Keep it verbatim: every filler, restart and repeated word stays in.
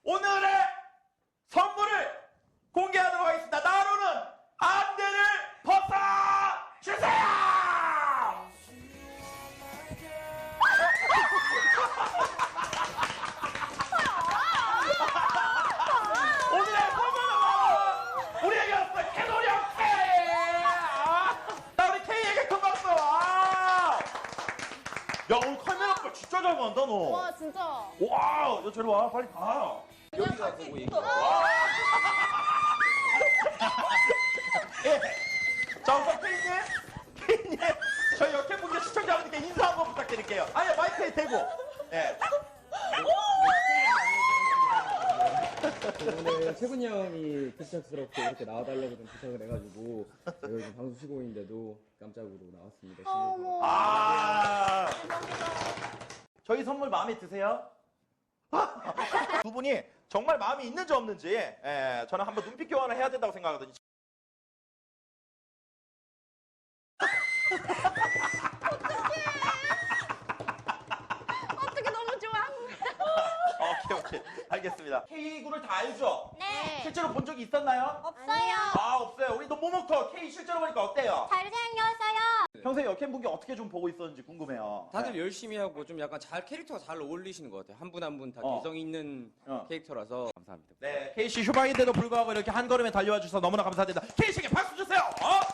오늘의 선물을 공개하도록 하겠습니다. 나로는 안대를 벗어주세요! 오늘의 선물은 우리에게 왔어 개놀이 형께! 나 우리 K에게 큰 박수! 아! 야 오늘 카메라 걸 진짜 잘 간다 너. 와 진짜. 와, 너 저리 와 빨리 가. 여기가 보고 얘기. 예. 자 우선 K님, K님 저희 역행분들 시청자분들께 인사 한번 부탁드릴게요. 아니 마이크에 대고. 예. 오늘 최군이 형이 급작스럽게 이렇게 나와달라고 좀 부탁을 해가지고 제가 요즘 방송 쉬고 있는데도 깜짝으로 나왔습니다. 어머. 아. 저희 선물 마음에 드세요? 두 분이 정말 마음이 있는지 없는지 예, 저는 한번 눈빛 교환을 해야 된다고 생각하거든요. 어떻게 너무 좋아. 오케이 오케이 알겠습니다. K군을 다 알죠? 네. 실제로 본 적이 있었나요? 없어요. 아 없어요. 우리 너 모모터 K 실제로 보니까 어때요? 잘생겼어요. 평소에 역행분께 어떻게 좀 보고 있었는지 궁금해요. 다들 네. 열심히 하고 좀 약간 잘 캐릭터가 잘 어울리시는 것 같아요. 한 분 한 분 다 어. 개성 있는 어. 캐릭터라서 감사합니다. 네, K씨 휴방인데도 불구하고 이렇게 한 걸음에 달려와 주셔서 너무나 감사드립니다. K씨에게 박수 주세요. 어?